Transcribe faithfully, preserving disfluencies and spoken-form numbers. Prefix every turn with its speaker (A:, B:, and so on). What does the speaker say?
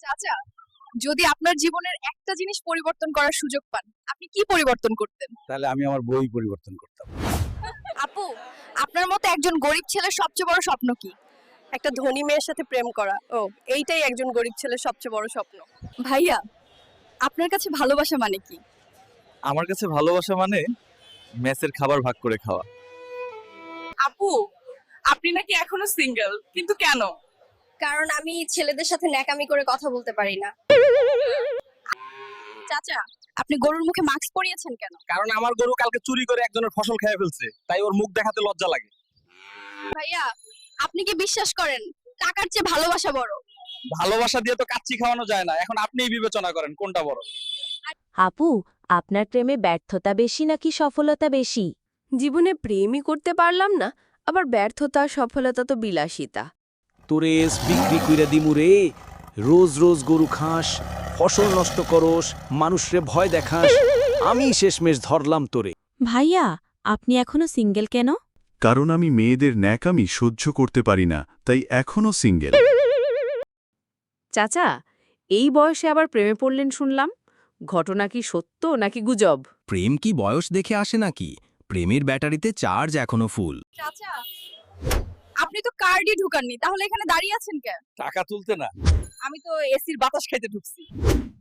A: চাচা, যদি আপনার জীবনের একটা জিনিস পরিবর্তন করার সুযোগ পান, আপনি কি পরিবর্তন করতেন?
B: তাহলে আমি আমার বই পরিবর্তন করতাম।
A: আপু, আপনার মতে একজন গরিব ছেলের সবচেয়ে বড় স্বপ্ন কি?
C: একটা ধনী মেয়ের সাথে প্রেম করা। ও, এইটাই একজন গরিব ছেলের সবচেয়ে বড় স্বপ্ন।
A: ভাইয়া, আপনার কাছে ভালোবাসা মানে কি?
B: আমার কাছে ভালোবাসা মানে মেসের খাবার ভাগ করে খাওয়া।
D: আপু, আপনি নাকি এখনো সিঙ্গেল, কিন্তু কেন?
C: কারণ আমি ছেলেদের সাথে ন্যাকামি করে কথা বলতে পারি না।
A: চাচা, আপনি গরুর মুখে মাস্ক পরিয়েছেন কেন?
B: কারণ আমার গরু কালকে চুরি করে একজনের ফসল খেয়ে ফেলছে, তাই ওর মুখ দেখাতে লজ্জা লাগে।
A: ভাইয়া, আপনি কি বিশ্বাস করেন টাকার চেয়ে ভালোবাসা বড়?
B: ভালোবাসা দিয়ে তো কাচ্চি খাওয়ানো যায় না, এখন আপনিই বিবেচনা করেন কোনটা বড়।
E: আপু, আপনার প্রেমে ব্যর্থতা বেশি নাকি সফলতা বেশি?
C: জীবনে প্রেমই করতে পারলাম না, আবার ব্যর্থতা সফলতা তো বিলাসিতা।
F: তোরে এস বিক্রি কইরা দিমু রে। রোজ রোজ গরু খাস, ফসল নষ্ট করস, মানুষরে ভয় দেখাস, আমি শেষমেশ ধরলাম তোরে।
E: ভাইয়া, আপনি এখনো সিঙ্গেল কেন?
G: কারণ আমি মেয়েদের ন্যাকামি সহ্য করতে পারি না, তাই এখনো সিঙ্গেল।
H: চাচা, এই বয়সে আবার প্রেমে পড়লেন শুনলাম। ঘটনা কি সত্য নাকি গুজব?
I: প্রেম কি বয়স দেখে আসে নাকি? প্রেমের ব্যাটারিতে চার্জ এখনো ফুল।
A: চাচা, আপনি তো কার্ডই ঢুকাননি, তাহলে এখানে দাঁড়িয়ে আছেন কেন?
B: টাকা তুলতে না,
A: আমি তো এসির বাতাস খাইতে ঢুকছি।